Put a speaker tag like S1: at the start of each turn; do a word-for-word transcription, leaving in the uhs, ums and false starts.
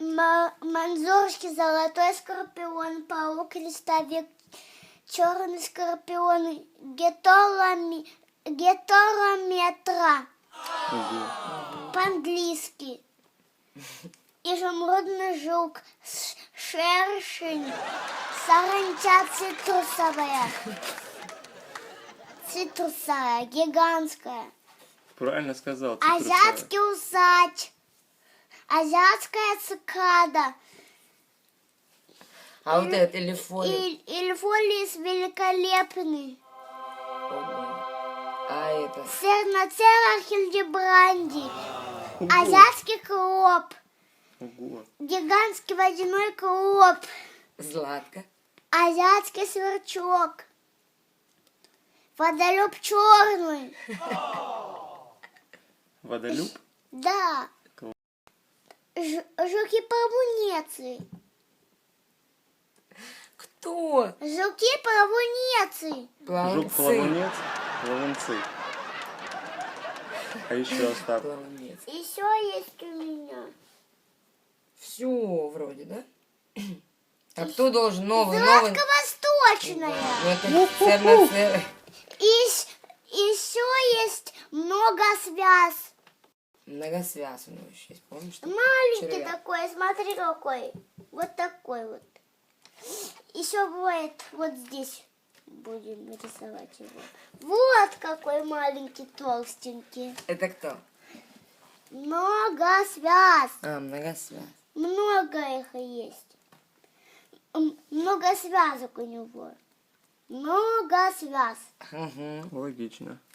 S1: Ма- Манзурский, золотой скорпион, паук, листовик, черный скорпион, геторами, гетерометра,
S2: Ого.
S1: по-английски. Изумрудный жук, ш- шершень, саранча цитрусовая. Цитрусовая, гигантская.
S2: Правильно сказал. Цитрусовая.
S1: Азиатский усач. Азиатская цикада.
S3: А вот этот элефолит.
S1: И, Ильфолис великолепный.
S3: Ого. А это?
S1: Серноцера хильдебранди. Азиатский клоп.
S2: Ого.
S1: Гигантский водяной клоп.
S3: Златка.
S1: Азиатский сверчок. Водолюб черный.
S2: Водолюб?
S1: Да.
S2: Клоп.
S1: Ж- Жуки-плавунецы.
S3: Кто?
S1: Жуки-плавунецы.
S2: Жук,
S3: Плавунцы.
S2: плавунец, плавунцы. А еще Остап.
S3: Плавунец.
S1: Еще есть у меня.
S3: Все вроде, да? А кто должен новый, новый?
S1: Златко-восточная.
S3: Ну это церноцер.
S1: И с- еще есть много связ.
S3: Многосвяз у него еще есть, помнишь? что?
S1: Маленький
S3: Червяк.
S1: такой, смотри какой. Вот такой вот. Еще бывает вот здесь. Будем рисовать его. Вот какой маленький, толстенький.
S3: Это кто?
S1: Много связ.
S3: А, многосвяз.
S1: Много их есть. М, Много связок у него. Много связ.
S3: Угу.
S2: Логично.